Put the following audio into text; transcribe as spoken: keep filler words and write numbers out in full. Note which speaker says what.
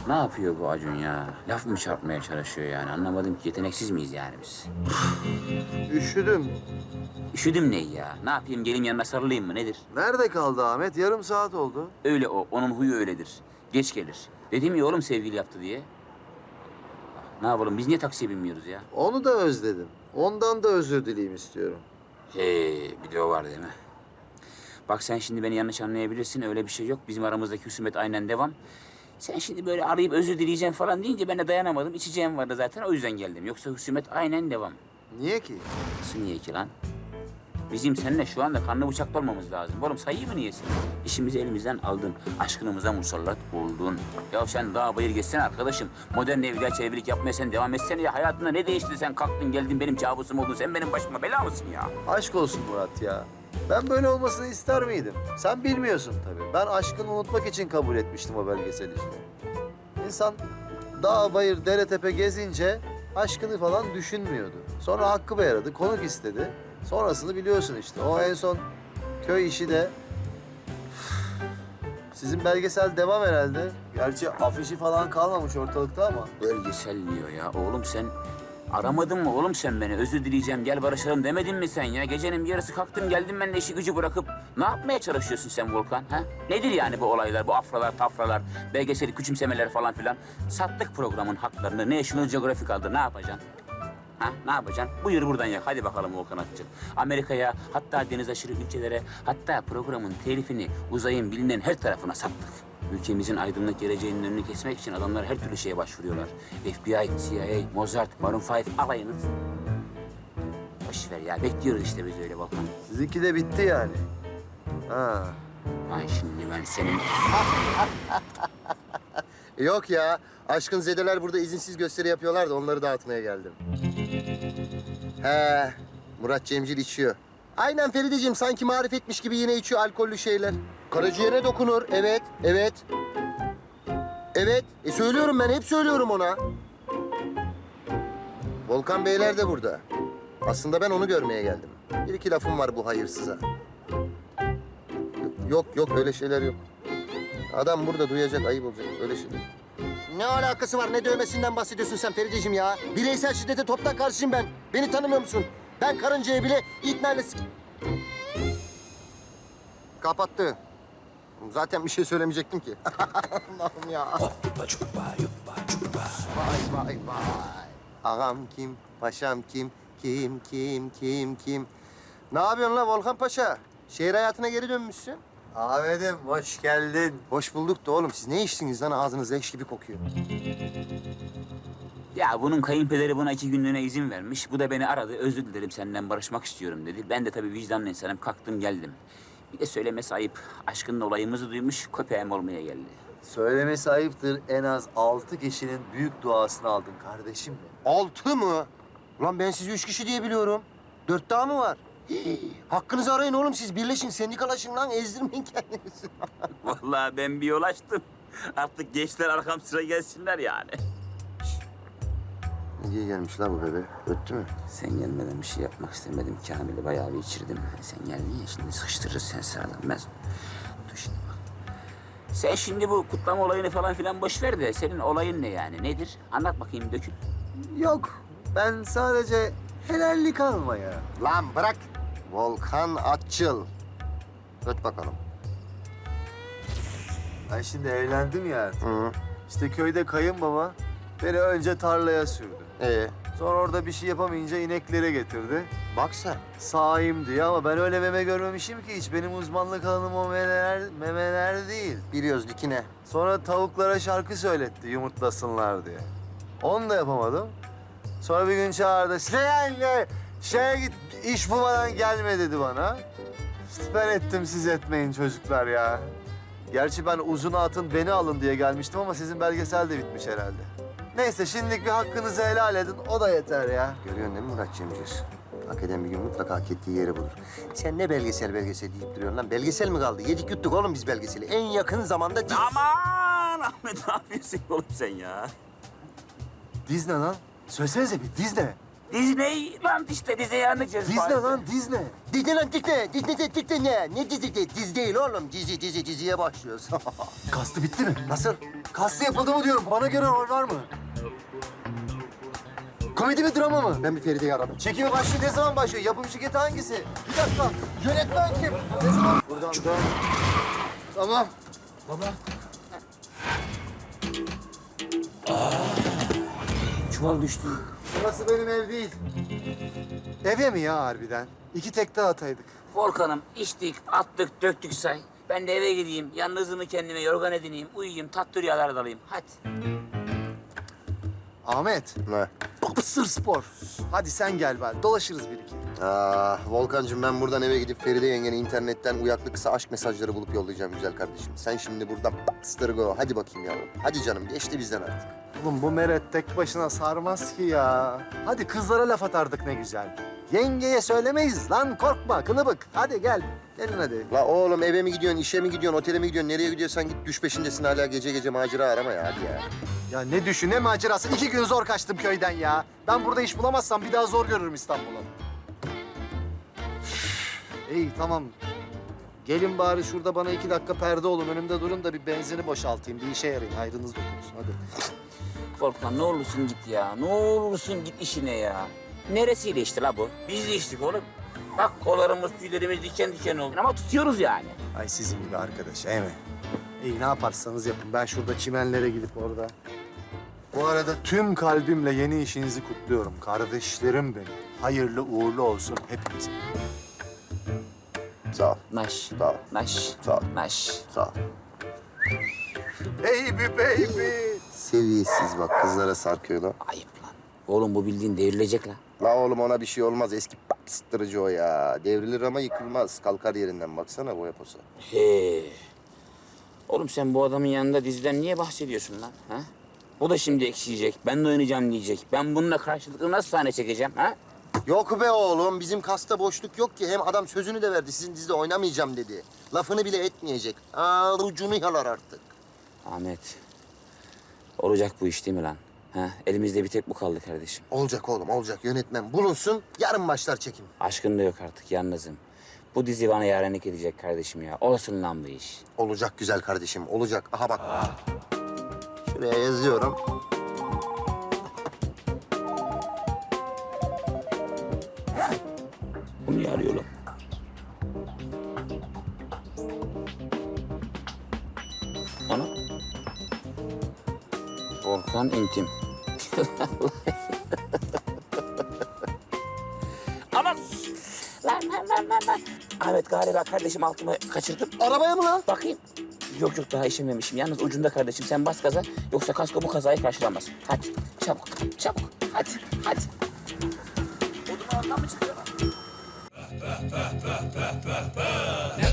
Speaker 1: Ne yapıyor bu Acun ya? Laf mı çarpmaya çalışıyor yani? Anlamadım ki yeteneksiz miyiz yani biz?
Speaker 2: Üşüdüm.
Speaker 1: Üşüdüm ne ya? Ne yapayım geleyim yanına sarılayım mı nedir?
Speaker 2: Nerede kaldı Ahmet? Yarım saat oldu.
Speaker 1: Öyle o. Onun huyu öyledir. Geç gelir. Dedim ya oğlum sevgili yaptı diye. Ne yapalım biz niye taksiye binmiyoruz ya?
Speaker 2: Onu da özledim. Ondan da özür dileyim istiyorum.
Speaker 1: Hey, bir de o var değil mi? Bak sen şimdi beni yanlış anlayabilirsin. Öyle bir şey yok. Bizim aramızdaki husumet aynen devam. Sen şimdi böyle arayıp özür dileyeceğim falan deyince ben de dayanamadım. İçeceğim vardı zaten o yüzden geldim. Yoksa husumet aynen devam.
Speaker 2: Niye ki?
Speaker 1: Nasıl niye ki lan? Bizim seninle şu anda kanlı bıçaklı olmamız lazım. Oğlum sayıyı mı niyesin? İşimizi elimizden aldın. Aşkınımıza musallat oldun. Ya sen daha bayır geçsene arkadaşım. Modern evliya çevirilik yapmaya sen devam etsene ya. Hayatında ne değişti sen kalktın geldin benim kabusum oldun. Sen benim başıma bela mısın ya?
Speaker 2: Aşk olsun Murat ya. Ben böyle olmasını ister miydim? Sen bilmiyorsun tabii. Ben aşkını unutmak için kabul etmiştim o belgesel işini. İnsan dağ, bayır, dere, tepe gezince aşkını falan düşünmüyordu. Sonra Hakkı Bey aradı, konuk istedi. Sonrasını biliyorsun işte. O en son köy işi de... Sizin belgesel devam herhalde. Gerçi afişi falan kalmamış ortalıkta ama.
Speaker 1: Belgesel diyor ya. Oğlum sen aramadın mı oğlum sen beni? Özür dileyeceğim gel barışalım demedin mi sen ya? Gecenin bir yarısı kalktım geldim ben de işi gücü bırakıp ne yapmaya çalışıyorsun sen Volkan? Ha? Nedir yani bu olaylar, bu afralar, tafralar, belgeseli küçümsemeler falan filan? Sattık programın haklarını. National Geographic aldı. Ne yapacaksın? Ha, ne yapacaksın? Buyur buradan yak. Hadi bakalım Volkan Atçı. Amerika'ya, hatta deniz aşırı ülkelere, hatta programın telifini uzayın bilinen her tarafına sattık. Ülkemizin aydınlık geleceğinin önünü kesmek için adamlar her türlü şeye başvuruyorlar. F B I, C I A, Mozart, Maroon beş alayınız. Boş ver ya. Bekliyoruz işte biz öyle Volkan.
Speaker 2: Sizinki de bitti yani. Ha.
Speaker 1: Ay şimdi ben senin...
Speaker 3: Yok ya. Aşkın zedeler burada izinsiz gösteri yapıyorlar da onları dağıtmaya geldim. He, Murat Cemcil içiyor. Aynen Ferideciğim, sanki marifetmiş gibi yine içiyor alkollü şeyler. Karaciğere dokunur, evet, evet. Evet, e söylüyorum ben, hep söylüyorum ona. Volkan Beyler de burada. Aslında ben onu görmeye geldim. Bir iki lafım var bu hayırsıza. Yok, yok, öyle şeyler yok. Adam burada duyacak, ayıp olacak, öyle şeyler. Ne alakası var? Ne dövmesinden bahsediyorsun sen Ferideciğim ya? Bireysel şiddete toptan karşıyım ben. Beni tanımıyor musun? Ben karıncaya bile ikna s- Kapattı. Zaten bir şey söylemeyecektim ki. Allah'ım ya. Vay vay vay. Ağam kim? Paşam kim? Kim, kim, kim, kim? Ne yapıyorsun la Volkan Paşa? Şehir hayatına geri dönmüşsün.
Speaker 2: Ahmet'im hoş geldin.
Speaker 3: Hoş bulduk da oğlum. Siz ne içtiniz lan? Ağzınız leş gibi kokuyor.
Speaker 1: Ya bunun kayınpederi buna iki günlüğüne izin vermiş. Bu da beni aradı. Özür dilerim senden barışmak istiyorum dedi. Ben de tabii vicdanlı insanım. Kalktım geldim. Bir de söylemesi ayıp. Aşkının olayımızı duymuş. Köpeğim olmaya geldi.
Speaker 2: Söylemesi ayıptır. En az altı kişinin büyük duasını aldın kardeşim benim.
Speaker 3: Altı mı? Ulan ben sizi üç kişi diye biliyorum. Dört daha mı var? Hii, hakkınızı arayın oğlum siz. Birleşin, sendikalaşın lan. Ezdirmeyin kendinizi.
Speaker 1: Vallahi ben bir yol açtım. Artık gençler arkam sıra gelsinler yani.
Speaker 3: Ne diye gelmiş la bu bebe? Öttü mü?
Speaker 1: Sen gelmeden bir şey yapmak istemedim. Kamil'i bayağı bir içirdim. Sen geldin ya şimdi sıkıştırırız sen sağlam. Ben... Dur şimdi bak. Sen şimdi bu kutlama olayını falan filan boş ver de senin olayın ne yani? Nedir? Anlat bakayım dökül.
Speaker 2: Yok. Ben sadece helallik almaya.
Speaker 3: Lan bırak. Volkan Atçıl. Öt bakalım.
Speaker 2: Ben şimdi evlendim ya artık.
Speaker 3: Hı.
Speaker 2: İşte köyde kayınbaba beni önce tarlaya sürdü.
Speaker 3: Ee,
Speaker 2: Sonra orada bir şey yapamayınca ineklere getirdi.
Speaker 3: bak sen.
Speaker 2: Sağayım diye ama ben öyle meme görmemişim ki hiç. Benim uzmanlık alanım o memeler, memeler değil.
Speaker 3: Biliyoruz dikine.
Speaker 2: Sonra tavuklara şarkı söyletti yumurtlasınlar diye. Onu da yapamadım. Sonra bir gün çağırdı. Sen de şeye git iş bulmadan gelme dedi bana. Ben ettim siz etmeyin çocuklar ya. Gerçi ben uzun atın beni alın diye gelmiştim ama sizin belgesel de bitmiş herhalde. Neyse şimdilik bir hakkınızı helal edin o da yeter ya.
Speaker 3: Görüyorsun değil mi Murat Cemcir? Hak eden bir gün mutlaka hak ettiği yeri bulur. Sen ne belgesel belgesel deyip duruyorsun lan? Belgesel mi kaldı? Yedik yuttuk oğlum biz belgeseli. En yakın zamanda... di-
Speaker 1: Aman Ahmet ne yapıyorsun oğlum sen ya?
Speaker 2: Diz ne lan? Söylesenize bir diz ne?
Speaker 1: Disneyland işte, Disneyland'ı
Speaker 2: Disney
Speaker 1: Paris'te.
Speaker 2: lan Disney.
Speaker 3: Disney lan Disney. Disney de Disney ne? Ne dizi de? Dizi değil oğlum. Dizi dizi diziye başlıyoruz.
Speaker 2: Kastı bitti mi?
Speaker 3: Nasıl?
Speaker 2: Kastı yapıldı mı diyorum. Bana göre rol var mı? Komedi mi drama mı?
Speaker 3: Ben bir Feride'yi aradım.
Speaker 2: Çekimi başlıyor. Ne zaman başlıyor? Yapım şirketi hangisi? Bir dakika. Yönetmen kim? Ne zaman? Buradan dön. Tamam.
Speaker 1: Çuval düştü.
Speaker 2: Burası benim ev değil. Eve mi ya harbiden? İki tekte ataydık.
Speaker 1: Volkan'ım içtik, attık, döktük say. Ben de eve gideyim, yalnızlığımı kendime yorgan edineyim, uyuyayım, tatlı rüyalar dalayım. Hadi.
Speaker 2: Ahmet.
Speaker 3: Ne?
Speaker 2: Sır spor. Hadi sen gel bari. Dolaşırız bir iki.
Speaker 3: Ah Volkan'cığım ben buradan eve gidip Feride yengene internetten uyaklı kısa aşk mesajları bulup yollayacağım güzel kardeşim. Sen şimdi buradan go. Hadi bakayım yavrum. Hadi canım geçti bizden artık.
Speaker 2: Oğlum bu meret tek başına sarmaz ki ya. Hadi kızlara laf atardık ne güzel. Yengeye söylemeyiz lan korkma kılıbık. Hadi gel. Gelin hadi.
Speaker 3: La oğlum eve mi gidiyorsun, işe mi gidiyorsun, otele mi gidiyorsun, nereye gidiyorsan git düş peşindesin hala gece gece macera arama ya hadi ya.
Speaker 2: Ya ne düşün ne macerası. İki gün zor kaçtım köyden ya. Ben burada iş bulamazsam bir daha zor görürüm İstanbul'u. İyi tamam. Gelin bari şurada bana iki dakika perde olun. Önümde durun da bir benzini boşaltayım. Bir işe yarayın. Hayrınız dokunsun. Hadi.
Speaker 1: Volkan ne olursun git ya, ne olursun git işine ya. Neresiyle içti la bu? Biz de içtik oğlum. Bak kollarımız, tüylerimiz diken diken oldu ama tutuyoruz yani.
Speaker 2: Ay sizin gibi arkadaş, değil mi? İyi ne yaparsanız yapın. Ben şurada çimenlere gidip orada. Bu arada tüm kalbimle yeni işinizi kutluyorum. Kardeşlerim benim. Hayırlı uğurlu olsun hepinize.
Speaker 3: Sağ ol,
Speaker 1: Naş,
Speaker 3: Sağ ol.
Speaker 1: naş,
Speaker 3: Sağ ol.
Speaker 1: naş.
Speaker 3: sağ ol.
Speaker 2: Baby baby.
Speaker 3: Seviyesiz bak kızlara sarkıyor lan.
Speaker 1: Ayıp lan. Oğlum bu bildiğin devrilecek lan.
Speaker 3: La oğlum ona bir şey olmaz eski bastırıcı o ya. Devrilir ama yıkılmaz. Kalkar yerinden baksana boya posa.
Speaker 1: He. Oğlum sen bu adamın yanında diziden niye bahsediyorsun lan? Ha? O da şimdi ekşiyecek, ben de oynayacağım diyecek. Ben bununla karşılıklı nasıl sahne çekeceğim ha?
Speaker 3: Yok be oğlum bizim kasta boşluk yok ki. Hem adam sözünü de verdi sizin dizide oynamayacağım dedi. Lafını bile etmeyecek. Aa, ucunu yalar artık.
Speaker 1: Ahmet, olacak bu iş değil mi lan? Ha? Elimizde bir tek bu kaldı kardeşim.
Speaker 3: Olacak oğlum olacak yönetmen bulunsun. Yarın başlar çekim.
Speaker 1: Aşkın da yok artık, yalnızım. Bu dizi bana yarenlik edecek kardeşim ya. Olsun lan bu iş.
Speaker 3: Olacak güzel kardeşim olacak. Aha bak. Şuraya yazıyorum.
Speaker 1: Bu niye arıyor lan? Ana. Volkan intim. Aman! Lan lan lan lan lan. Ahmet galiba kardeşim altımı kaçırdım.
Speaker 3: Arabaya mı lan?
Speaker 1: Bakayım. Yok yok daha işememişim. Yalnız ucunda kardeşim sen bas gaza. Yoksa kasko bu kazayı karşılamaz. Hadi çabuk çabuk. Hadi hadi. Odunu ondan mı çıkıyor lan?